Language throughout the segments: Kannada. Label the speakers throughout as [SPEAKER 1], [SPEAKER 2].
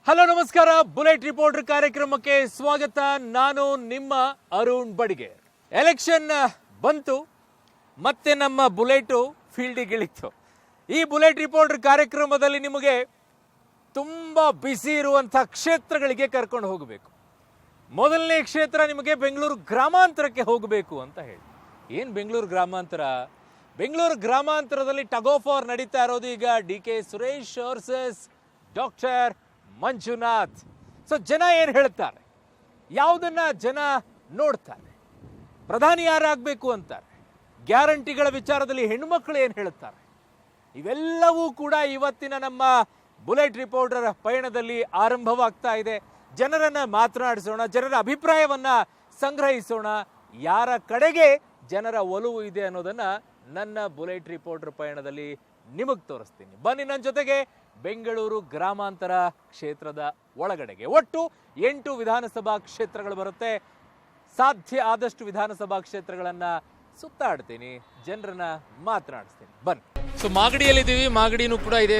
[SPEAKER 1] ಹಲೋ ನಮಸ್ಕಾರ, ಬುಲೆಟ್ ರಿಪೋರ್ಟರ್ ಕಾರ್ಯಕ್ರಮಕ್ಕೆ ಸ್ವಾಗತ. ನಾನು ನಿಮ್ಮ ಅರುಣ್ ಬಡಿಗೆ. ಎಲೆಕ್ಷನ್ ಬಂತು, ಮತ್ತೆ ನಮ್ಮ ಬುಲೆಟು ಫೀಲ್ಡಿಗೆ ಇಳಿತು. ಈ ಬುಲೆಟ್ ರಿಪೋರ್ಟರ್ ಕಾರ್ಯಕ್ರಮದಲ್ಲಿ ನಿಮಗೆ ತುಂಬ ಬಿಸಿ ಇರುವಂಥ ಕ್ಷೇತ್ರಗಳಿಗೆ ಕರ್ಕೊಂಡು ಹೋಗಬೇಕು. ಮೊದಲನೇ ಕ್ಷೇತ್ರ ನಿಮಗೆ ಬೆಂಗಳೂರು ಗ್ರಾಮಾಂತರಕ್ಕೆ ಹೋಗಬೇಕು ಅಂತ ಹೇಳಿ. ಏನು ಬೆಂಗಳೂರು ಗ್ರಾಮಾಂತರ? ಬೆಂಗಳೂರು ಗ್ರಾಮಾಂತರದಲ್ಲಿ ಟಗ್ ಆಫ್ ವಾರ್ ನಡೀತಾ ಇರೋದು ಈಗ DK Suresh versus doctor Manjunath. So ಜನ ಏನು ಹೇಳ್ತಾರೆ, ಯಾವುದನ್ನ ಜನ ನೋಡ್ತಾರೆ, ಪ್ರಧಾನಿ ಯಾರಾಗಬೇಕು ಅಂತಾರೆ, ಗ್ಯಾರಂಟಿಗಳ ವಿಚಾರದಲ್ಲಿ ಹೆಣ್ಣುಮಕ್ಕಳು ಏನು ಹೇಳುತ್ತಾರೆ, ಇವೆಲ್ಲವೂ ಕೂಡ ಇವತ್ತಿನ ನಮ್ಮ ಬುಲೆಟ್ ರಿಪೋರ್ಟರ್ ಪಯಣದಲ್ಲಿ ಆರಂಭವಾಗ್ತಾ ಇದೆ. ಜನರನ್ನ ಮಾತನಾಡಿಸೋಣ, ಜನರ ಅಭಿಪ್ರಾಯವನ್ನ ಸಂಗ್ರಹಿಸೋಣ, ಯಾರ ಕಡೆಗೆ ಜನರ ಒಲವು ಇದೆ ಅನ್ನೋದನ್ನ ನನ್ನ ಬುಲೆಟ್ ರಿಪೋರ್ಟರ್ ಪಯಣದಲ್ಲಿ ನಿಮಗೆ ತೋರಿಸ್ತೀನಿ. ಬನ್ನಿ ನನ್ನ ಜೊತೆಗೆ ಬೆಂಗಳೂರು ಗ್ರಾಮಾಂತರ ಕ್ಷೇತ್ರದ ಒಳಗಡೆಗೆ. ಒಟ್ಟು 8 ವಿಧಾನಸಭಾ ಕ್ಷೇತ್ರಗಳು ಬರುತ್ತೆ. ಸಾಧ್ಯ ಆದಷ್ಟು ವಿಧಾನಸಭಾ ಕ್ಷೇತ್ರಗಳನ್ನ ಸುತ್ತಾಡ್ತೀನಿ, ಜನರನ್ನ ಮಾತನಾಡಿಸ್ತೀನಿ. ಬನ್ನಿ. ಸೊ ಮಾಗಡಿಯಲ್ಲಿದ್ದೀವಿ. ಮಾಗಡಿನೂ ಕೂಡ ಇದೆ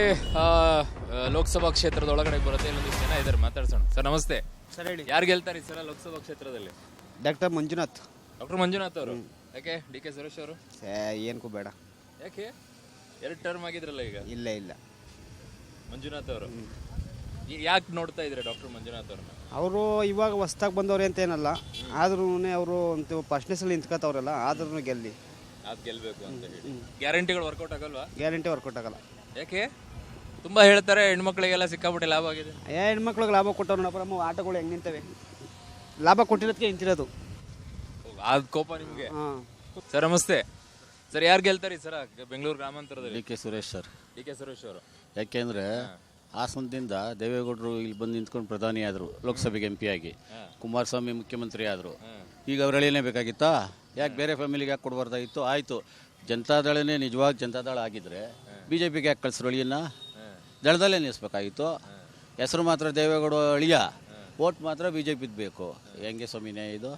[SPEAKER 1] ಲೋಕಸಭಾ ಕ್ಷೇತ್ರದ ಒಳಗಡೆ ಬರುತ್ತೆ. ಇಲ್ಲೊಂದು ಜನ ಇದ್ದಾರೆ, ಮಾತಾಡ್ಸೋಣ. ಸರ್ ನಮಸ್ತೆ. ಸರ್ ಹೇಳಿ, ಯಾರು ಗೆಲ್ತಾರೆ ಈ ಸಲ ಲೋಕಸಭಾ ಕ್ಷೇತ್ರದಲ್ಲಿ?
[SPEAKER 2] ಡಾಕ್ಟರ್ ಮಂಜುನಾಥ್.
[SPEAKER 1] ಡಾಕ್ಟರ್ ಮಂಜುನಾಥ್ ಅವರು. ಯಾಕೆ DK ಸುರೇಶ್ ಅವರು?
[SPEAKER 2] ಏನಕ್ಕೂ ಬೇಡ.
[SPEAKER 1] ಯಾಕೆ? 2 ಟರ್ಮ್ ಆಗಿದ್ರಲ್ಲ ಈಗ.
[SPEAKER 2] ಇಲ್ಲ ಇಲ್ಲ,
[SPEAKER 1] ಮಂಜುನಾಥ್ ಅವರು ಯಾಕೆ ನೋಡ್ತಾ ಇದ್ರೆ ಡಾಕ್ಟರ್ ಮಂಜುನಾಥ್ ಅವ್ರನ್ನ?
[SPEAKER 2] ಅವರು ಇವಾಗ ಹೊಸ್ದಾಗಿ ಬಂದವ್ರೆ ಅಂತ ಏನಲ್ಲ, ಆದ್ರೂ ಅವರು ಒಂದು ಫಸ್ಟ್ನೆಸ್ಸಲ್ಲಿ ನಿಂತ್ಕೋತವ್ರಲ್ಲ, ಆದ್ರೂ ಗೆಲ್ಲಿ.
[SPEAKER 1] ಅದು ಗೆಲ್ಬೇಕು ಅಂತ ಹೇಳಿ. ಗ್ಯಾರಂಟಿಗಳು ವರ್ಕೌಟ್ ಆಗಲ್ವಾ?
[SPEAKER 2] ಗ್ಯಾರಂಟಿ ವರ್ಕೌಟ್ ಆಗಲ್ಲ.
[SPEAKER 1] ಯಾಕೆ? ತುಂಬಾ ಹೇಳ್ತಾರೆ ಹೆಣ್ಮಕ್ಳಿಗೆಲ್ಲ ಸಿಕ್ಕಾಪಟ್ಟೆ ಲಾಭ ಆಗಿದೆ.
[SPEAKER 2] ಹೆಣ್ಮಕ್ಳಿಗೆ ಲಾಭ ಕೊಟ್ಟವ್ರು ನೋಡಪ್ಪ, ನಮ್ಮ ಆಟೋಗಳು ಹೆಂಗೆ ನಿಂತವೆ, ಲಾಭ ಕೊಟ್ಟಿರೋದಕ್ಕೆ ನಿಂತಿರೋದು.
[SPEAKER 1] ಅದು ಕೋಪ ನಿಮಗೆ? ಸರ್ ನಮಸ್ತೆ. ಸರ್ ಯಾರು ಗೆಲ್ತಾರೆ ಈ ಸರ ಬೆಂಗಳೂರು ಗ್ರಾಮಾಂತರದಲ್ಲಿ?
[SPEAKER 3] DK Suresh sir.
[SPEAKER 1] DK Suresh ಅವರು.
[SPEAKER 3] ಯಾಕೆಂದರೆ ಹಾಸನದಿಂದ ದೇವೇಗೌಡರು ಇಲ್ಲಿ ಬಂದು ನಿಂತ್ಕೊಂಡು ಪ್ರಧಾನಿ ಆದರು, ಲೋಕಸಭೆಗೆ MP ಆಗಿ. ಕುಮಾರಸ್ವಾಮಿ ಮುಖ್ಯಮಂತ್ರಿ ಆದರು. ಈಗ ಅವ್ರು ಎಳಿಲೇಬೇಕಾಗಿತ್ತಾ? ಯಾಕೆ ಬೇರೆ ಫ್ಯಾಮಿಲಿಗೆ ಯಾಕೆ ಕೊಡಬಾರ್ದಾಗಿತ್ತು? ಆಯಿತು, ಜನತಾದಳನೇ ನಿಜವಾಗಿ ಜನತಾದಳ ಆಗಿದ್ದರೆ BJPಗೆ ಯಾಕೆ ಕಳಿಸ್ರು? ಅಳಿಯನ್ನ ದಳದಲ್ಲೇ ನಿಲ್ಲಿಸ್ಬೇಕಾಗಿತ್ತು. ಹೆಸರು ಮಾತ್ರ ದೇವೇಗೌಡ ಅಳಿಯ, ಓಟ್ ಮಾತ್ರ BJPದು ಬೇಕು. ಹೆಂಗೆ ಸ್ವಾಮಿನೇ ಇದು?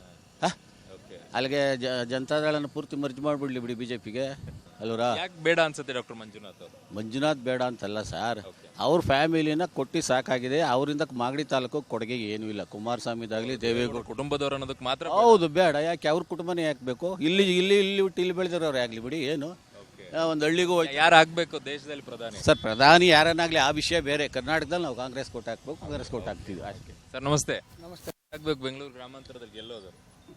[SPEAKER 3] ಅಲ್ಲಿಗೆ ಜನತಾದಳನ ಪೂರ್ತಿ ಮರ್ಜಿ ಮಾಡಿಬಿಡ್ಲಿ ಬಿಡಿ BJPಗೆ ಅಲ್ವರಾ?
[SPEAKER 1] ಯಾಕೆ ಬೇಡ ಅನ್ಸುತ್ತೆ ಡಾಕ್ಟರ್ ಮಂಜುನಾಥ್ ಅವರು?
[SPEAKER 3] ಮಂಜುನಾಥ್ ಬೇಡ ಅಂತಲ್ಲ ಸರ್, ಅವ್ರ ಫ್ಯಾಮಿಲಿನ ಕೊಟ್ಟು ಸಾಕಾಗಿದೆ. ಅವರಿಂದ ಮಾಗಡಿ ತಾಲೂಕು ಕೊಡುಗೆ ಏನೂ ಇಲ್ಲ. ಕುಮಾರಸ್ವಾಮಿದಾಗಲಿ ದೇವೇಗೌಡ
[SPEAKER 1] ಕುಟುಂಬದವರು ಅನ್ನೋದಕ್ಕೆ ಮಾತ್ರ
[SPEAKER 3] ಹೌದು ಬೇಡ. ಯಾಕೆ ಅವ್ರ ಕುಟುಂಬನೇ ಯಾಕೆ ಬೇಕು? ಇಲ್ಲಿ ಇಲ್ಲಿ ಇಲ್ಲಿ ಹುಟ್ಟು ಇಲ್ಲಿ ಬೆಳೆದಿರೋರು ಆಗಲಿ ಬಿಡಿ, ಏನು ಒಂದು ಹಳ್ಳಿಗೂ
[SPEAKER 1] ಯಾರು ಆಗ್ಬೇಕು ದೇಶದಲ್ಲಿ ಪ್ರಧಾನಿ?
[SPEAKER 3] ಸರ್ ಪ್ರಧಾನಿ ಯಾರನ್ನಾಗಲಿ ಆ ವಿಷಯ ಬೇರೆ. ಕರ್ನಾಟಕದಲ್ಲಿ ನಾವು ಕಾಂಗ್ರೆಸ್ ಕೊಟ್ಟು ಹಾಕ್ಬೇಕು, ಕಾಂಗ್ರೆಸ್ ಕೊಟ್ಟು ಹಾಕ್ತೀವಿ ಅಷ್ಟೇ.
[SPEAKER 1] ಸರ್ ನಮಸ್ತೆ. ನಮಸ್ತೆ. ಆಗ್ಬೇಕು ಬೆಂಗಳೂರು ಗ್ರಾಮಾಂತರದಲ್ಲಿ ಗೆಲ್ಲೋದು?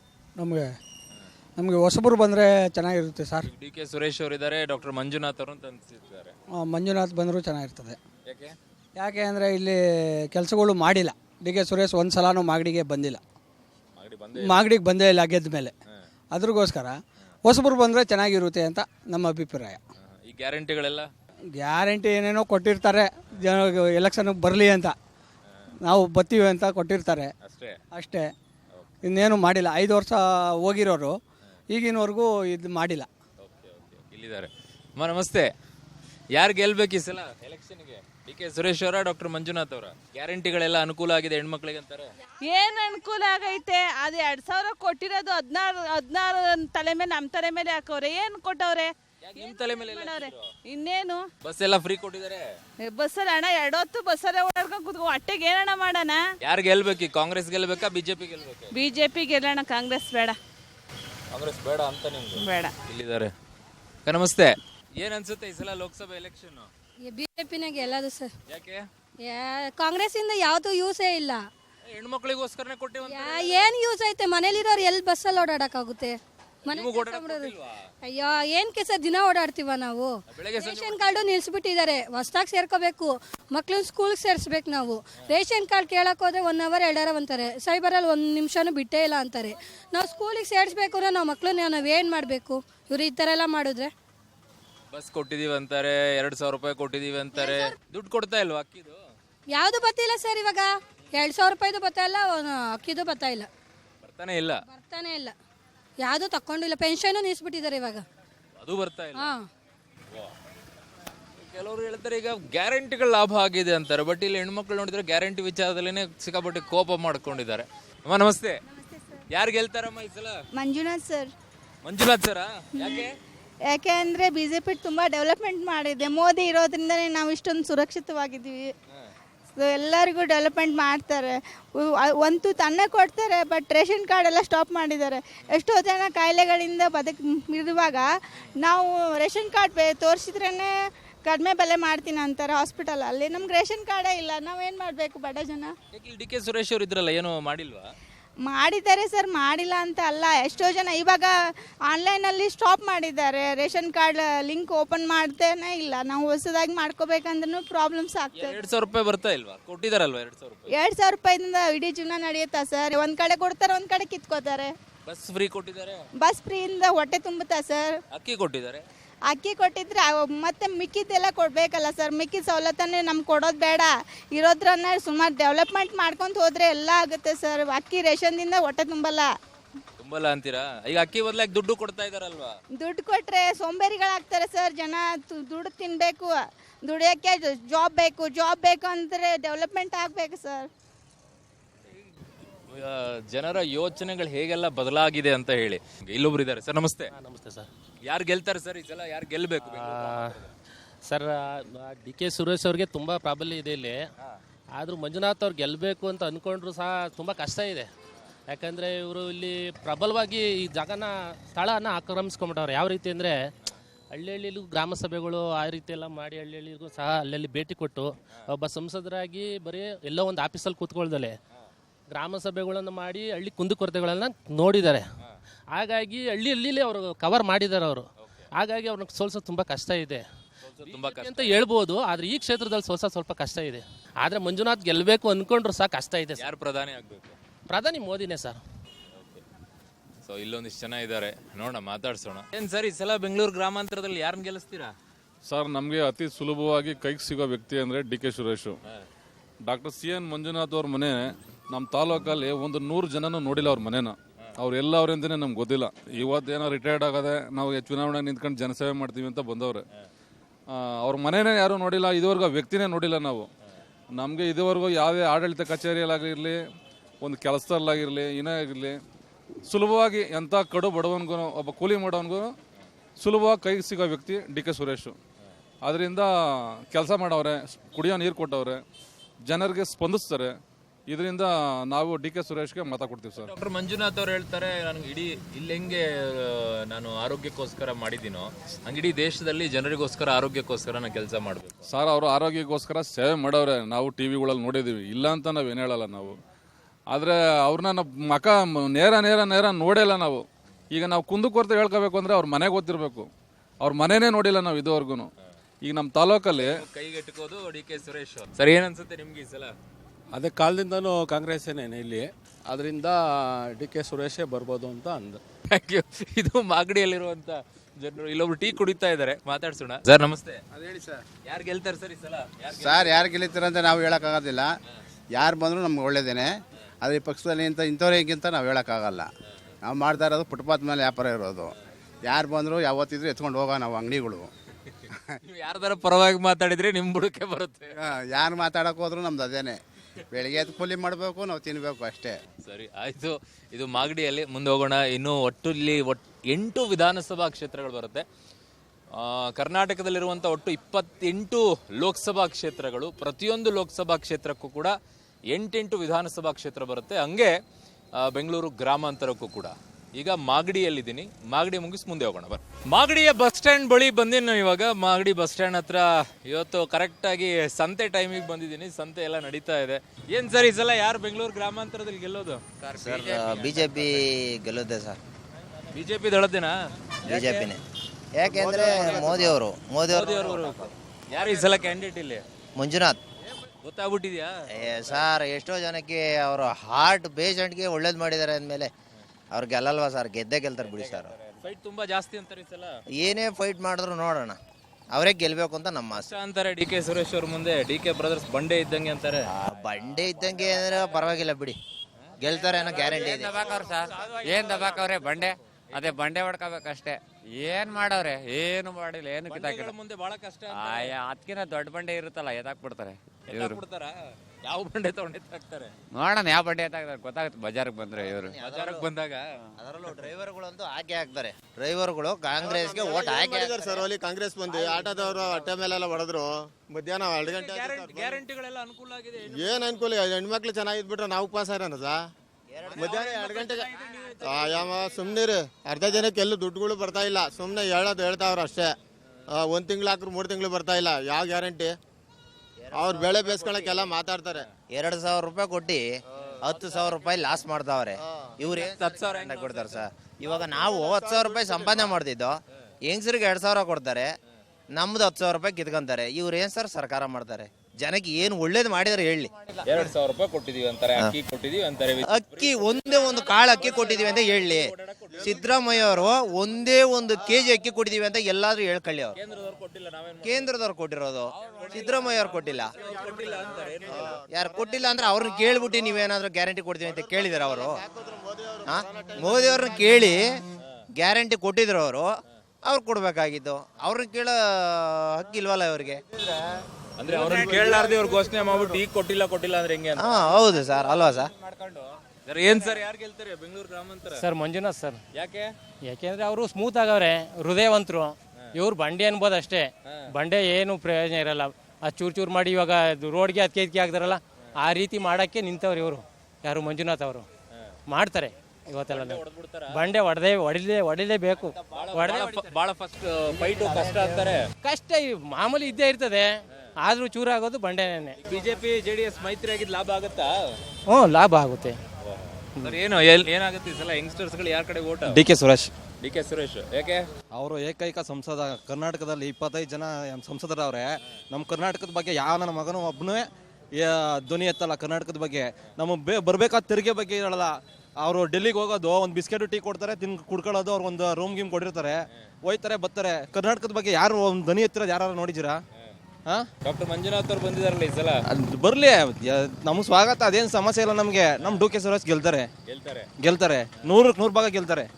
[SPEAKER 4] ನಮಗೆ ಹೊಸಬರು ಬಂದರೆ ಚೆನ್ನಾಗಿರುತ್ತೆ ಸರ್.
[SPEAKER 1] DK ಸುರೇಶ್ ಅವರು ಇದ್ದಾರೆ, ಡಾಕ್ಟರ್ ಮಂಜುನಾಥ್ ಅವರು ಅಂತ ಅನಿಸಿದ್ದಾರೆ.
[SPEAKER 4] ಮಂಜುನಾಥ್ ಬಂದರೂ ಚೆನ್ನಾಗಿರ್ತದೆ.
[SPEAKER 1] ಯಾಕೆ?
[SPEAKER 4] ಯಾಕೆ ಅಂದರೆ ಇಲ್ಲಿ ಕೆಲಸಗಳು ಮಾಡಿಲ್ಲ. DK ಸುರೇಶ್ ಒಂದು ಸಲನೂ ಮಾಗಡಿಗೆ ಬಂದಿಲ್ಲ, ಮಾಗಡಿಗೆ ಬಂದೇ ಇಲ್ಲ ಗೆದ್ದ ಮೇಲೆ. ಅದ್ರಗೋಸ್ಕರ ಹೊಸಬರು ಬಂದರೆ ಚೆನ್ನಾಗಿರುತ್ತೆ ಅಂತ ನಮ್ಮ ಅಭಿಪ್ರಾಯ.
[SPEAKER 1] ಈ ಗ್ಯಾರಂಟಿಗಳೆಲ್ಲ
[SPEAKER 4] ಗ್ಯಾರಂಟಿ ಏನೇನೋ ಕೊಟ್ಟಿರ್ತಾರೆ, ಎಲೆಕ್ಷನ್ಗೆ ಬರಲಿ ಅಂತ, ನಾವು ಬರ್ತೀವಿ ಅಂತ ಕೊಟ್ಟಿರ್ತಾರೆ ಅಷ್ಟೇ. ಇನ್ನೇನು ಮಾಡಿಲ್ಲ. 5 ವರ್ಷ ಹೋಗಿರೋರು ಈಗಿನವರೆಗೂ ಇದು ಮಾಡಿಲ್ಲ.
[SPEAKER 1] ಇಲ್ಲಿದ್ದಾರೆ. ಅಮ್ಮ ನಮಸ್ತೆ. ಯಾರು ಗೆಲ್ಬೇಕು ಈ ಸಲ ಎಲೆಕ್ಷನ್ಗೆ? DK ಸುರೇಶ್ ಅವರ, ಡಾಕ್ಟರ್ ಮಂಜುನಾಥ್ ಅವರ? ಗ್ಯಾರಂಟಿಗಳೆಲ್ಲ ಅನುಕೂಲ ಆಗಿದೆ ಹೆಣ್ಮಕ್ಳಿಗೆ ಅಂತಾರೆ.
[SPEAKER 5] ಏನ್ ಅನುಕೂಲ ಆಗೈತೆ? ಅದು 2000 ಕೊಟ್ಟಿರೋದು 16 ತಲೆ ಮೇಲೆ ನಮ್ಮ ತಲೆ ಮೇಲೆ ಹಾಕವ್ರೆ. ಏನ್ ಕೊಟ್ಟವ್ರೆ?
[SPEAKER 1] ನಿಮ್ ತಲೆ ಮೇಲೆ
[SPEAKER 5] ಇನ್ನೇನು
[SPEAKER 1] ಬಸ್ ಎಲ್ಲ ಫ್ರೀ ಕೊಟ್ಟಿದ್ದಾರೆ.
[SPEAKER 5] ಬಸ್ಸಲ್ಲಿ ಹಣ 2 ಹೊತ್ತು ಬಸ್ಸಲ್ಲೇ ಓಡಾಡ್ಕೊಂಡು ಕೂತ್ಕೊ, ಹೊಟ್ಟೆಗೆ ಏನಣ್ಣ ಮಾಡೋಣ?
[SPEAKER 1] ಯಾರು ಗೆಲ್ಬೇಕು? ಕಾಂಗ್ರೆಸ್ ಗೆಲ್ಬೇಕಾ BJP ಗೆಲ್ಬೇಕಾ?
[SPEAKER 5] BJP ಗೆಲ್ಲೋಣ, ಕಾಂಗ್ರೆಸ್ ಬೇಡ.
[SPEAKER 1] ಕಾಂಗ್ರೆಸ್ ಬೇಡ ಅಂತ ನಿಮ್ದು?
[SPEAKER 5] ಬೇಡ.
[SPEAKER 1] ಇಲ್ಲಿದ್ದಾರೆ. ನಮಸ್ತೆ. ಏನ್ ಅನ್ಸುತ್ತೆ ಈ ಸಲ ಲೋಕಸಭಾ ಎಲೆಕ್ಷನ್?
[SPEAKER 6] BJPನೇ ಗೆಲ್ಲೋದು ಸರ್.
[SPEAKER 1] ಯಾಕೆ?
[SPEAKER 6] ಕಾಂಗ್ರೆಸ್ ಇಂದ ಯಾವ್ದು ಯೂಸೇ ಇಲ್ಲ.
[SPEAKER 1] ಹೆಣ್ಮಕ್ಳಿಗೋಸ್ಕರನೇ ಕೊಟ್ಟಿವಂತ.
[SPEAKER 6] ಏನ್ ಯೂಸ್ ಐತೆ? ಮನೇಲಿರೋರು ಎಲ್ಲಿ ಬಸ್ಸಲ್ಲಿ ಓಡಾಡಕ್ಕಾಗುತ್ತೆ? ಅಯ್ಯೋ ಏನ್ ಕೆಸ ದಿನ ಓಡಾಡ್ತೀವ ನಾವು. ರೇಷನ್ ಕಾರ್ಡು ನಿಲ್ಸ್ಬಿಟ್ಟಿದ್ದಾರೆ, ಹೊಸ್ದಾಗಿ ಸೇರ್ಕೋಬೇಕು. ಮಕ್ಳನ್ನ ಸ್ಕೂಲ್ಗೆ ಸೇರಿಸ್ಬೇಕು ನಾವು. ರೇಷನ್ ಕಾರ್ಡ್ ಕೇಳಕ್ ಹೋದ್ರೆ 1 ಅವರ್ 2 ಅವರ್ ಅಂತಾರೆ. ಸೈಬರಲ್ಲಿ 1 ನಿಮಿಷನೂ ಬಿಟ್ಟೇ ಇಲ್ಲ ಅಂತಾರೆ. ನಾವು ಸ್ಕೂಲಿಗೆ ಸೇರಿಸ್ಬೇಕು ಅಂದ್ರೆ ನಾವು ಮಕ್ಳನ್ನ ನಾವೇನ್ ಮಾಡ್ಬೇಕು? ಇವ್ರು ಈ ತರ ಎಲ್ಲ ಮಾಡಿದ್ರೆ.
[SPEAKER 1] ಬಸ್ ಕೊಟ್ಟಿದೀವಿ ಅಂತಾರೆ, 2000 ರೂಪಾಯಿ ಕೊಟ್ಟಿದೀವಿ ಅಂತಾರೆ. ದುಡ್ಡು ಕೊಡ್ತಾ ಇಲ್ವಾ ಅಕ್ಕಿದು?
[SPEAKER 6] ಯಾವ್ದು ಬರ್ತಿಲ್ಲ ಸರ್. ಇವಾಗ 2000 ರೂಪಾಯಿದು ಬರ್ತಾ ಇಲ್ಲ, ಅಕ್ಕಿದು ಬರ್ತಾ ಇಲ್ಲ.
[SPEAKER 1] ಬರ್ತಾನೆ ಇಲ್ಲ.
[SPEAKER 6] ಯಾವುದು ತಕೊಂಡಿಲ್ಲ. ಪೆನ್ಷನ್ ನಿಲ್ಲಿಸ್ಬಿಟ್ಟಿದ್ದಾರೆ ಇವಾಗ,
[SPEAKER 1] ಅದು ಬರ್ತಾ ಇಲ್ಲ. ಕೆಲವರು ಹೇಳ್ತಾರೆ ಈಗ ಗ್ಯಾರಂಟಿಗಳ ಲಾಭ ಆಗಿದೆ ಅಂತಾರೆ. ಬಟ್ ಇಲ್ಲಿ ಹೆಣ್ಮಕ್ಳು ನೋಡಿದ್ರೆ ಗ್ಯಾರಂಟಿ ವಿಚಾರದಲ್ಲೇನೆ ಸಿಕ್ಕಾಪಟ್ಟೆ ಕೋಪ ಮಾಡ್ಕೊಂಡಿದ್ದಾರೆ. ಅಮ್ಮ ನಮಸ್ತೆ. ಯಾರು ಗೆಲ್ತಾರಮ್ಮ ಈ ಸಲ?
[SPEAKER 7] ಮಂಜುನಾಥ್ ಸರ್.
[SPEAKER 1] ಮಂಜುನಾಥ್ ಸರ? ಯಾಕೆ?
[SPEAKER 7] ಯಾಕೆ ಅಂದರೆ BJP ತುಂಬ ಡೆವಲಪ್ಮೆಂಟ್ ಮಾಡಿದೆ. ಮೋದಿ ಇರೋದ್ರಿಂದನೇ ನಾವು ಇಷ್ಟೊಂದು ಸುರಕ್ಷಿತವಾಗಿದ್ದೀವಿ. ಎಲ್ಲರಿಗೂ ಡೆವಲಪ್ಮೆಂಟ್ ಮಾಡ್ತಾರೆ. ಒಂದು ಅನ್ನ ಕೊಡ್ತಾರೆ, ಬಟ್ ರೇಷನ್ ಕಾರ್ಡ್ ಎಲ್ಲ ಸ್ಟಾಪ್ ಮಾಡಿದ್ದಾರೆ. ಎಷ್ಟೋ ಜನ ಕಾಯಿಲೆಗಳಿಂದ ಇರುವಾಗ ನಾವು ರೇಷನ್ ಕಾರ್ಡ್ ತೋರಿಸಿದ್ರೇ ಕಡಿಮೆ ಬೆಲೆ ಮಾಡ್ತೀನಿ ಅಂತಾರೆ ಹಾಸ್ಪಿಟಲಲ್ಲಿ. ನಮ್ಗೆ ರೇಷನ್ ಕಾರ್ಡೇ ಇಲ್ಲ, ನಾವೇನು ಮಾಡಬೇಕು ಬಡ ಜನ?
[SPEAKER 1] ಡಿ ಕೆ ಸುರೇಶ್ ಅವರು ಇದ್ರಲ್ಲ, ಏನು ಮಾಡಿಲ್ವಾ?
[SPEAKER 7] ಮಾಡಿದ್ದಾರೆ ಸರ್, ಮಾಡಿಲ್ಲ ಅಂತ ಅಲ್ಲ. ಎಷ್ಟೋ ಜನ ಇವಾಗ ಆನ್ಲೈನಲ್ಲಿ ಸ್ಟಾಪ್ ಮಾಡಿದ್ದಾರೆ. ರೇಷನ್ ಕಾರ್ಡ್ ಲಿಂಕ್ ಓಪನ್ ಮಾಡ್ತೇನೆ ಇಲ್ಲ. ನಾವು ಹೊಸದಾಗಿ ಮಾಡ್ಕೋಬೇಕಂದ್ರೂ ಪ್ರಾಬ್ಲಮ್ಸ್ ಆಗ್ತದೆ.
[SPEAKER 1] 2,000 ರೂಪಾಯಿ ಬರ್ತಾ ಇಲ್ವಾ? ಕೊಟ್ಟಿದಾರಲ್ವಾ 2,000 ರೂಪಾಯಿ?
[SPEAKER 7] 2,000 ರೂಪಾಯಿಂದ ಇಡೀ ಜೀವನ ನಡೆಯುತ್ತಾ ಸರ್? ಒಂದು ಕಡೆ ಕೊಡ್ತಾರೆ, ಒಂದು ಕಡೆ ಕಿತ್ಕೋತಾರೆ.
[SPEAKER 1] ಬಸ್ ಫ್ರೀ ಕೊಟ್ಟಿದ್ದಾರೆ,
[SPEAKER 7] ಬಸ್ ಫ್ರೀಯಿಂದ ಹೊಟ್ಟೆ ತುಂಬುತ್ತಾ ಸರ್?
[SPEAKER 1] ಅಕ್ಕಿ ಕೊಟ್ಟಿದ್ದಾರೆ.
[SPEAKER 7] ಅಕ್ಕಿ ಕೊಟ್ಟಿದ್ರೆ ಮತ್ತೆ ಮಿಕ್ಕಿದ್ದೆಲ್ಲ ಕೊಡಬೇಕಲ್ಲ ಸರ್. ಮಿಕ್ಕಿದ ಸವಲತ್ತನ್ನೇ ನಮ್ಗೆ ಕೊಡೋದು ಬೇಡ. ಇರೋದ್ರನ್ನ ಸುಮಾರು ಡೆವಲಪ್ಮೆಂಟ್ ಮಾಡ್ಕೊಂತ ಹೋದ್ರೆ ಎಲ್ಲ ಆಗುತ್ತೆ ಸರ್. ಅಕ್ಕಿ ರೇಷನ್ದಿಂದ ಹೊಟ್ಟೆ ತುಂಬಲ್ಲ
[SPEAKER 1] ಅಂತೀರಾ? ಈಗ ಅಕ್ಕಿ ಬದಲಾಗಿ ದುಡ್ಡು ಕೊಡ್ತಾ ಇದಾರಲ್ವಾ?
[SPEAKER 7] ದುಡ್ಡು ಕೊಟ್ಟರೆ ಸೋಂಬೇರಿಗಳಾಗ್ತಾರೆ ಸರ್ ಜನ. ದುಡ್ಡು ತಿನ್ನಬೇಕು, ದುಡಿಯೋಕ್ಕೆ ಜಾಬ್ ಬೇಕು ಅಂದರೆ ಡೆವಲಪ್ಮೆಂಟ್ ಆಗಬೇಕು ಸರ್.
[SPEAKER 1] ಜನರ ಯೋಚನೆಗಳು ಹೇಗೆಲ್ಲ ಬದಲಾಗಿದೆ ಅಂತ ಹೇಳಿ. ಇಲ್ಲೊಬ್ರು ಇದ್ದಾರೆ ಸರ್, ನಮಸ್ತೆ.
[SPEAKER 8] ನಮಸ್ತೆ ಸರ್.
[SPEAKER 1] ಯಾರು ಗೆಲ್ತಾರೆ ಸರ್ ಈ ಸಲ? ಯಾರು ಗೆಲ್ಲಬೇಕು
[SPEAKER 8] ಸರ್? ಡಿ ಕೆ ಸುರೇಶ್ ಅವ್ರಿಗೆ ತುಂಬ ಪ್ರಾಬಲ್ಯ ಇದೆ ಇಲ್ಲಿ. ಆದರೂ ಮಂಜುನಾಥ್ ಅವ್ರು ಗೆಲ್ಲಬೇಕು ಅಂತ ಅಂದ್ಕೊಂಡ್ರು ಸಹ ತುಂಬ ಕಷ್ಟ ಇದೆ. ಯಾಕಂದರೆ ಇವರು ಇಲ್ಲಿ ಪ್ರಬಲವಾಗಿ ಈ ಸ್ಥಳನ ಆಕ್ರಮಿಸ್ಕೊಂಬಿಟ್ಟವ್ರು. ಯಾವ ರೀತಿ ಅಂದರೆ ಹಳ್ಳಿಗೂ ಗ್ರಾಮ ಸಭೆಗಳು ಆ ರೀತಿ ಎಲ್ಲ ಮಾಡಿ ಹಳ್ಳಿಗೂ ಸಹ ಅಲ್ಲಲ್ಲಿ ಭೇಟಿ ಕೊಟ್ಟು ಒಬ್ಬ ಸಂಸದರಾಗಿ ಬರೀ ಎಲ್ಲೋ ಒಂದು ಆಫೀಸಲ್ಲಿ ಕೂತ್ಕೊಳ್ದಲೆ ಗ್ರಾಮ ಸಭೆಗಳನ್ನು ಮಾಡಿ ಹಳ್ಳಿ ಕುಂದುಕೊರತೆಗಳನ್ನು ನೋಡಿದ್ದಾರೆ. ಹಾಗಾಗಿ ಹಳ್ಳಿಯಲ್ಲಿ ಅವರು ಕವರ್ ಮಾಡಿದ್ದಾರೆ ಅವರು. ಹಾಗಾಗಿ ಅವ್ರನ್ನ ಸೋಲ್ಸೋದು ತುಂಬ ಕಷ್ಟ ಇದೆ ಅಂತ ಹೇಳ್ಬೋದು. ಆದರೆ ಈ ಕ್ಷೇತ್ರದಲ್ಲಿ ಸೋಲ್ಸೋದು ಸ್ವಲ್ಪ ಕಷ್ಟ ಇದೆ. ಆದರೆ ಮಂಜುನಾಥ್ ಗೆಲ್ಲಬೇಕು ಅಂದ್ಕೊಂಡ್ರು ಸಹ ಕಷ್ಟ ಇದೆ.
[SPEAKER 1] ಯಾರು ಪ್ರಧಾನಿ ಆಗಬೇಕು?
[SPEAKER 8] ಪ್ರಧಾನಿ ಮೋದಿನೇ ಸರ್.
[SPEAKER 1] ಸೊ ಇಲ್ಲೊಂದಿಷ್ಟು ಜನ ಇದ್ದಾರೆ, ನೋಡೋಣ, ಮಾತಾಡ್ಸೋಣ. ಏನು ಸರ್ ಈ ಸಲ ಬೆಂಗಳೂರು ಗ್ರಾಮಾಂತರದಲ್ಲಿ ಯಾರನ್ನ ಗೆಲ್ಲಿಸ್ತೀರಾ?
[SPEAKER 9] ಸರ್, ನಮಗೆ ಅತಿ ಸುಲಭವಾಗಿ ಕೈಗೆ ಸಿಗೋ ವ್ಯಕ್ತಿ ಅಂದರೆ D K Suresh. Doctor CN Manjunath ಅವ್ರ ಮನೆ ನಮ್ಮ ತಾಲೂಕಲ್ಲಿ 100 ಜನನೂ ನೋಡಿಲ್ಲ ಅವ್ರ ಮನೇನ. ಅವ್ರೆಲ್ಲ ಅವ್ರಿಂದನೇ ನಮ್ಗೆ ಗೊತ್ತಿಲ್ಲ. ಇವತ್ತೇನೋ ರಿಟೈರ್ಡ್ ಆಗದೆ ನಾವು ಚುನಾವಣೆ ನಿಂತ್ಕೊಂಡು ಜನಸೇವೆ ಮಾಡ್ತೀವಿ ಅಂತ ಬಂದವ್ರೆ. ಅವ್ರ ಮನೆನೇ ಯಾರೂ ನೋಡಿಲ್ಲ ಇದುವರೆಗೂ, ವ್ಯಕ್ತಿನೇ ನೋಡಿಲ್ಲ ನಾವು. ನಮಗೆ ಇದುವರೆಗೂ ಯಾವುದೇ ಆಡಳಿತ ಕಚೇರಿಯಲ್ಲಾಗಿರಲಿ, ಒಂದು ಕೆಲಸದಲ್ಲಾಗಿರಲಿ, ಏನೇ ಆಗಿರಲಿ, ಸುಲಭವಾಗಿ ಎಂಥ ಕಡು ಬಡವನಿಗೂ, ಒಬ್ಬ ಕೂಲಿ ಮಾಡೋನಿಗೂ ಸುಲಭವಾಗಿ ಕೈಗೆ ಸಿಗೋ ವ್ಯಕ್ತಿ ಡಿ ಕೆ ಸುರೇಶ್. ಅದರಿಂದ ಕೆಲಸ ಮಾಡವ್ರೆ, ಕುಡಿಯೋ ನೀರು ಕೊಟ್ಟವ್ರೆ, ಜನರಿಗೆ ಸ್ಪಂದಿಸ್ತಾರೆ. ಇದರಿಂದ ನಾವು ಡಿ ಕೆ ಸುರೇಶ್ಗೆ ಮತ ಕೊಡ್ತೀವಿ ಸರ್.
[SPEAKER 1] ಡಾಕ್ಟರ್ ಮಂಜುನಾಥ್ ಅವ್ರು ಹೇಳ್ತಾರೆ, ನನಗೆ ಇಲ್ಲಿ ಹೆಂಗೆ ನಾನು ಆರೋಗ್ಯಕ್ಕೋಸ್ಕರ ಮಾಡಿದ್ದೀನೋ ಹಂಗೆ ಇಡೀ ದೇಶದಲ್ಲಿ ಜನರಿಗೋಸ್ಕರ ಆರೋಗ್ಯಕ್ಕೋಸ್ಕರ ನಾನು ಕೆಲಸ ಮಾಡಬೇಕು.
[SPEAKER 9] ಸರ್, ಅವರು ಆರೋಗ್ಯಕ್ಕೋಸ್ಕರ ಸೇವೆ ಮಾಡವ್ರೆ, ನಾವು ಟಿವಿಗಳಲ್ಲಿ ನೋಡಿದ್ದೀವಿ, ಇಲ್ಲ ಅಂತ ನಾವೇನು ಹೇಳಲ್ಲ ನಾವು. ಆದರೆ ಅವ್ರನ್ನ ಮಕ ನೇರ ನೋಡಿಲ್ಲ ನಾವು. ಈಗ ನಾವು ಕುಂದುಕೊರತೆ ಹೇಳ್ಕೋಬೇಕು ಅಂದರೆ ಅವ್ರ ಮನೆಗೆ ಗೊತ್ತಿರಬೇಕು. ಅವ್ರ ಮನೆನೇ ನೋಡಿಲ್ಲ ನಾವು ಇದುವರೆಗೂ. ಈಗ ನಮ್ಮ ತಾಲೂಕಲ್ಲಿ
[SPEAKER 1] ಕೈಗೆಟುಕೋದು ಡಿ ಕೆ ಸುರೇಶ್. ಸರ್, ಏನನ್ಸುತ್ತೆ ನಿಮ್ಗೆ ಈ ಸಲ?
[SPEAKER 10] ಅದೇ ಕಾಲದಿಂದನೂ ಕಾಂಗ್ರೆಸ್ಸೇನೇನೆ ಇಲ್ಲಿ, ಅದರಿಂದ ಡಿ ಕೆ ಸುರೇಶೇ ಬರ್ಬೋದು ಅಂತ ಅಂದ.
[SPEAKER 1] Thank you. ಇದು ಮಾಗಡಿಯಲ್ಲಿರುವಂತ ಜನರು. ಇಲ್ಲೊಬ್ರು ಟೀ ಕುಡಿತಾ ಇದ್ದಾರೆ, ಮಾತಾಡ್ಸೋಣ. ಸರ್ ನಮಸ್ತೆ.
[SPEAKER 2] ಹೇಳಿ ಸರ್.
[SPEAKER 1] ಯಾರು ಗೆಲ್ತಾರೆ ಸರ್ ಈ ಸಲ?
[SPEAKER 2] ಸರ್, ಯಾರು ಗೆಲ್ಲಿತಾರೆ ಅಂತ ನಾವು ಹೇಳೋಕ್ಕಾಗೋದಿಲ್ಲ. ಯಾರು ಬಂದರೂ ನಮ್ಗೆ ಒಳ್ಳೇದೇನೆ. ಆದರೆ ಈ ಪಕ್ಷದಲ್ಲಿ ಇಂಥವ್ರಿಗಿಂತ ನಾವು ಹೇಳೋಕ್ಕಾಗಲ್ಲ. ನಾವು ಮಾಡ್ತಾ ಇರೋದು ಫುಟ್ಪಾತ್ ಮೇಲೆ ವ್ಯಾಪಾರ ಇರೋದು. ಯಾರು ಬಂದರೂ ಯಾವತ್ತಿದ್ರು ಎತ್ಕೊಂಡು ಹೋಗೋ ನಾವು ಅಂಗಡಿಗಳು.
[SPEAKER 1] ನೀವು ಯಾರ್ದಾರ ಪರವಾಗಿ ಮಾತಾಡಿದ್ರೆ ನಿಮ್ಮ ಬುಡಕ್ಕೆ ಬರುತ್ತೆ.
[SPEAKER 2] ಯಾರು ಮಾತಾಡೋಕೆ ಹೋದ್ರು ನಮ್ದು ಅದೇನೆ. ಬೆಳಿಗ್ಗೆ ಎದ್ದು ಕೂಲಿ ಮಾಡಬೇಕು, ನಾವು ತಿನ್ನಬೇಕು ಅಷ್ಟೇ.
[SPEAKER 1] ಸರಿ, ಆಯಿತು. ಇದು ಮಾಗಡಿಯಲ್ಲಿ. ಮುಂದೆ ಹೋಗೋಣ. ಇನ್ನು ಇಲ್ಲಿ 8 ವಿಧಾನಸಭಾ ಕ್ಷೇತ್ರಗಳು ಬರುತ್ತೆ. ಕರ್ನಾಟಕದಲ್ಲಿರುವಂಥ ಒಟ್ಟು 28 ಲೋಕಸಭಾ ಕ್ಷೇತ್ರಗಳು. ಪ್ರತಿಯೊಂದು ಲೋಕಸಭಾ ಕ್ಷೇತ್ರಕ್ಕೂ ಕೂಡ 8 ವಿಧಾನಸಭಾ ಕ್ಷೇತ್ರ ಬರುತ್ತೆ. ಹಂಗೆ ಬೆಂಗಳೂರು ಗ್ರಾಮಾಂತರಕ್ಕೂ ಕೂಡ. ಈಗ ಮಾಗಡಿಯಲ್ಲಿದ್ದೀನಿ. ಮಾಗಡಿ ಮುಗಿಸಿ ಮುಂದೆ ಹೋಗೋಣ ಬರ್. ಮಾಗಡಿಯ ಬಸ್ ಸ್ಟ್ಯಾಂಡ್ ಬಳಿ ಬಂದಿನಿ ಇವಾಗ. ಮಾಗಡಿ ಬಸ್ ಸ್ಟ್ಯಾಂಡ್ ಹತ್ರ ಇವತ್ತು ಕರೆಕ್ಟಾಗಿ ಸಂತೆ ಟೈಮಿಗೆ ಬಂದಿದ್ದೀನಿ. ಸಂತೆ ಎಲ್ಲ ನಡೀತಾ ಇದೆ. ಏನು ಸರ್ ಈ ಸಲ ಯಾರು ಬೆಂಗಳೂರು ಗ್ರಾಮಾಂತರದಲ್ಲಿ ಗೆಲ್ಲೋದು?
[SPEAKER 11] ಸರ್, ಬಿಜೆಪಿ ಗೆಲ್ಲುತ್ತೆ ಸರ್.
[SPEAKER 1] ಬಿಜೆಪಿ ದಳದೇನಾ?
[SPEAKER 11] ಬಿಜೆಪಿನೇ. ಯಾಕೆಂದ್ರೆ ಮೋದಿ ಅವರು
[SPEAKER 1] ಯಾರು ಈ ಸಲ ಕ್ಯಾಂಡಿಡೇಟ್ ಇಲ್ಲಿ?
[SPEAKER 11] ಮಂಜುನಾಥ್.
[SPEAKER 1] ಗೊತ್ತಾಗ್ಬಿಟ್ಟಿದ್ಯಾ
[SPEAKER 11] ಸರ್? ಎಷ್ಟೋ ಜನಕ್ಕೆ ಅವರು ಹಾರ್ಟ್ ಪೇಷಂಟ್ಗೆ ಒಳ್ಳೇದು ಮಾಡಿದ್ದಾರೆ ಅಂದಮೇಲೆ ಅವ್ರು ಗೆಲ್ಲಲ್ವಾ ಸರ್? ಗೆದ್ದೇ ಗೆಲ್ತಾರೆ ಬಿಡಿ ಸರ್.
[SPEAKER 1] ಫೈಟ್ ತುಂಬಾ ಜಾಸ್ತಿ ಅಂತಾರೆ ಈ ಸಲ.
[SPEAKER 11] ಏನೇ ಫೈಟ್ ಮಾಡಿದ್ರು ನೋಡೋಣ, ಅವರೇ ಗೆಲ್ಬೇಕು ಅಂತ ನಮ್ಮ ಆಸೆ
[SPEAKER 1] ಅಂತಾರೆ. ಡಿ ಕೆ ಸುರೇಶ್ ಅವ್ರ ಮುಂದೆ ಡಿ ಕೆ ಬ್ರದರ್ಸ್ ಬಂಡೆ ಇದ್ದಂಗೆ ಅಂತಾರೆ.
[SPEAKER 11] ಬಂಡೆ ಇದ್ದಂಗೆ ಅಂದ್ರೆ ಪರವಾಗಿಲ್ಲ ಬಿಡಿ, ಗೆಲ್ತಾರೆ ಅನ್ನೋ ಗ್ಯಾರಂಟಿ ಇದೆ.
[SPEAKER 12] ಏನ್ ದಬಾಕವ್ರೆ ಬಂಡೆ? ಅದೇ ಬಂಡೆ ಹೊಡ್ಕೋಬೇಕಷ್ಟೇ. ಏನ್ ಮಾಡವ್ರೆ? ಏನು ಮಾಡಿಲ್ಲ, ಏನು ಕಿತ್ತಾಕಿಲ್ಲ.
[SPEAKER 1] ಮುಂದೆ ಬಹಳ ಕಷ್ಟ.
[SPEAKER 12] ಅದಕ್ಕಿಂತ ದೊಡ್ಡ ಬಂಡೆ ಇರುತ್ತಲ್ಲ, ಎದಾಕ್ ಬಿಡ್ತಾರೆ.
[SPEAKER 1] ಯಾವ ಬಂಡೆ ತಗೊಂಡು ಎತ್ತಾಕ್ತಾರೆ?
[SPEAKER 12] ನೋಡೋಣ ಯಾವ ಬಂಡೆ ಎತ್ತಾಗ್ತಾರೆ ಗೊತ್ತಾಗುತ್ತೆ ಬಜಾರ್ಗೆ ಬಂದ್ರೆ ಇವರು.
[SPEAKER 1] ಬಜಾರಕ್ಕೆ ಬಂದಾಗ
[SPEAKER 11] ಅದರಲ್ಲೂ ಡ್ರೈವರ್ಗಳಂತೂ ಹಾಕಿ ಹಾಕ್ತಾರೆ. ಡ್ರೈವರ್ಗಳು ಕಾಂಗ್ರೆಸ್ಗೆ ಓಟ್ ಹಾಕಿ
[SPEAKER 10] ಸರ್ ಅಲ್ಲಿ ಕಾಂಗ್ರೆಸ್ ಬಂದು ಆಟೋದವರು ಹೊಟ್ಟೆ ಮೇಲೆಲ್ಲ ಹೊಡೆದ್ರು. ಮಧ್ಯಾಹ್ನ 2 ಗಂಟೆ
[SPEAKER 1] ಗ್ಯಾರಂಟಿಗಳೆಲ್ಲ ಅನುಕೂಲ ಆಗಿದೆ.
[SPEAKER 10] ಏನ್ ಅನುಕೂಲ, ಹೆಣ್ಮಕ್ಳು ಚೆನ್ನಾಗಿದ್ಬಿಟ್ರೆ ನಾವು ಉಪವಾಸ ಇರೋಣ ಸರ್. ಮಧ್ಯಾಹ್ನ 2 ಗಂಟೆಗೆ ಸುಮ್ಮನೆ ಅರ್ಧ ಜನಕ್ಕೆ ಎಲ್ಲೂ ದುಡ್ಡುಗಳು ಬರ್ತಾ ಇಲ್ಲ. ಸುಮ್ಮನೆ ಹೇಳ್ತಾವ್ರು ಅಷ್ಟೇ. 1 ತಿಂಗಳು ಹಾಕ್ರು 3 ತಿಂಗಳು ಬರ್ತಾ ಇಲ್ಲ. ಯಾವ ಗ್ಯಾರಂಟಿ? ಅವ್ರು ಬೆಳೆ ಬೇಸ್ಕೊಳಕ್ಕೆಲ್ಲ ಮಾತಾಡ್ತಾರೆ.
[SPEAKER 11] 2,000 ರೂಪಾಯಿ ಕೊಟ್ಟು 10,000 ರೂಪಾಯಿ ಲಾಸ್ ಮಾಡ್ತಾವ್ರೆ. ಇವ್ರು
[SPEAKER 1] 10,000
[SPEAKER 11] ಕೊಡ್ತಾರೆ ಸರ್. ಇವಾಗ ನಾವು 10,000 ರೂಪಾಯಿ ಸಂಪಾದನೆ ಮಾಡ್ತಿದ್ದೋ, ಹೆಂಗಸರಿಗೆ 2,000 ಕೊಡ್ತಾರೆ, ನಮ್ದು 10,000 ರೂಪಾಯಿ ಕಿತ್ಕೊಂತಾರೆ. ಇವ್ರು ಏನ್ ಸರ್ ಸರ್ಕಾರ ಮಾಡ್ತಾರೆ? ಜನಕ್ಕೆ ಏನು ಒಳ್ಳೇದು ಮಾಡಿದ್ರೆ ಹೇಳಿ.
[SPEAKER 1] 2,000 ರೂಪಾಯಿ ಕೊಟ್ಟಿದೀವಿ ಅಂತಾರೆ, ಅಕ್ಕಿ ಕೊಟ್ಟಿದೀವಿ ಅಂತಾರೆ.
[SPEAKER 11] ಅಕ್ಕಿ ಒಂದೇ ಒಂದು ಕಾಳು ಅಕ್ಕಿ ಕೊಟ್ಟಿದೀವಿ ಅಂತ ಹೇಳಿ. ಸಿದ್ದರಾಮಯ್ಯ ಅವರು ಒಂದೇ ಒಂದು ಕೆಜಿ ಅಕ್ಕಿ ಕೊಟ್ಟಿದೀವಿ ಅಂತ ಎಲ್ಲಾದ್ರೂ ಹೇಳ್ಕೊಳ್ಳಿ. ಅವ್ರು ಕೇಂದ್ರದವ್ರು ಕೊಟ್ಟಿರೋದು, ಸಿದ್ದರಾಮಯ್ಯ ಅವ್ರು ಕೊಟ್ಟಿಲ್ಲ. ಯಾರು ಕೊಟ್ಟಿಲ್ಲ ಅಂದ್ರೆ ಅವ್ರನ್ನ ಕೇಳ್ಬಿಟ್ಟು ನೀವೇನಾದ್ರೂ ಗ್ಯಾರಂಟಿ ಕೊಡ್ತೀವಿ ಅಂತ ಕೇಳಿದಾರೆ ಅವರು? ಮೋದಿ ಅವ್ರನ್ನ ಕೇಳಿ ಗ್ಯಾರಂಟಿ ಕೊಟ್ಟಿದ್ರು ಅವರು, ಅವ್ರು ಕೊಡ್ಬೇಕಾಗಿತ್ತು. ಅವ್ರನ್ನ ಕೇಳೋ ಹಕ್ಕಿಲ್ವಲ್ಲ ಅವ್ರಿಗೆ.
[SPEAKER 1] ಅಂದ್ರೆ ಅವ್ರನ್ನ ಕೇಳಲಾರ್ದೆ ಅವ್ರು ಘೋಷಣೆ ಮಾಡ್ಬಿಟ್ಟು ಈಗ ಕೊಟ್ಟಿಲ್ಲ ಅಂದ್ರೆ ಹೆಂಗೆ ಅಂತ?
[SPEAKER 11] ಹೌದು ಸರ್, ಅಲ್ವಾ ಸರ್?
[SPEAKER 1] ಸರ್ ಏನ್ ಸರ್, ಯಾರು ಗೆಲ್ತಾರೆ ಬೆಂಗಳೂರು ಗ್ರಾಮಾಂತರ?
[SPEAKER 8] Sir Manjunath sir.
[SPEAKER 1] ಯಾಕೆ?
[SPEAKER 8] ಯಾಕೆಂದ್ರೆ ಅವರು ಸ್ಮೂತ್ ಆಗವ್ರೆ, ಹೃದಯವಂತರು. ಇವ್ರು ಬಂಡೆ ಅನ್ಬೋದು ಅಷ್ಟೇ, ಬಂಡೆ ಏನು ಪ್ರಯೋಜನ ಇರಲ್ಲ. ಅದು ಚೂರು ಮಾಡಿ ಇವಾಗ ರೋಡ್ಗೆ ಅದಕ್ಕೆ ಹಾಕ್ತಾರಲ್ಲ, ಆ ರೀತಿ ಮಾಡಕ್ಕೆ ನಿಂತವ್ರು ಇವರು. ಯಾರು ಮಂಜುನಾಥ್ ಅವರು ಮಾಡ್ತಾರೆ ಇವತ್ತೆಲ್ಲ. ಬಂಡೆ ಹೊಡಿಲೇಬೇಕು.
[SPEAKER 1] ಬಹಳ ಫಸ್ಟ್ ಫೈಟು ಕಷ್ಟ ಅಂತಾರೆ.
[SPEAKER 8] ಕಷ್ಟ ಮಾಮೂಲಿ ಇದ್ದೇ ಇರ್ತದೆ, ಆದ್ರೂ ಚೂರಾಗೋದು ಬಂಡೆನೇ.
[SPEAKER 1] ಬಿಜೆಪಿ ಜೆಡಿಎಸ್ ಮೈತ್ರಿ ಆಗಿದ್ ಲಾಭ ಆಗುತ್ತಾ?
[SPEAKER 8] ಹ್ಞೂ ಲಾಭ ಆಗುತ್ತೆ.
[SPEAKER 1] ಸರ್ ಏನು ಏನಾಗುತ್ತೆ ಈ ಸಲ ಯಂಗ್ಸ್ಟರ್ಸ್ ಗಳು ಯಾರ ಕಡೆ ಓಟ್?
[SPEAKER 3] D K Suresh.
[SPEAKER 1] ಯಾಕೆ?
[SPEAKER 3] ಅವರು ಏಕೈಕ ಸಂಸದ ಕರ್ನಾಟಕದಲ್ಲಿ. 25 ಜನ ಸಂಸದರವ್ರೆ. ನಮ್ಮ ಕರ್ನಾಟಕದ ಬಗ್ಗೆ ಯಾವ ನನ್ನ ಮಗನೂ ಒಬ್ಬನೇ ಧ್ವನಿ ಎತ್ತಲ್ಲ ಕರ್ನಾಟಕದ ಬಗ್ಗೆ. ನಮಗೆ ಬರ್ಬೇಕಾದ ತೆರಿಗೆ ಬಗ್ಗೆ ಹೇಳಲ್ಲ. ಅವರು ಡೆಲ್ಲಿಗೆ ಹೋಗೋದು, ಒಂದು ಬಿಸ್ಕೆಟ್ ಟೀ ಕೊಡ್ತಾರೆ, ಕುಡ್ಕೊಳ್ಳೋದು, ಅವ್ರು ಒಂದು ರೂಮ್ ಗೀಮ್ ಕೊಟ್ಟಿರ್ತಾರೆ, ಹೋಯ್ತಾರೆ ಬರ್ತಾರೆ. ಕರ್ನಾಟಕದ ಬಗ್ಗೆ ಯಾರು ಒಂದು ಧ್ವನಿ ಎತ್ತಿರೋದು ಯಾರು ನೋಡಿದ್ದೀರಾ?
[SPEAKER 1] ಡಾಕ್ಟರ್ ಮಂಜುನಾಥ್ ಅವ್ರು ಬಂದಿದಾರಲ್ಲ ಈ ಸಲ,
[SPEAKER 3] ಬರ್ಲಿ, ನಮ್ಗೆ ಸ್ವಾಗತ. ಅದೇನು ಸಮಸ್ಯೆ ಇಲ್ಲ ನಮಗೆ. ನಮ್ಮ ಡಿ ಕೆ ಸುರೇಶ್ ಗೆಲ್ತಾರೆ 100% ಗೆಲ್ತಾರೆ.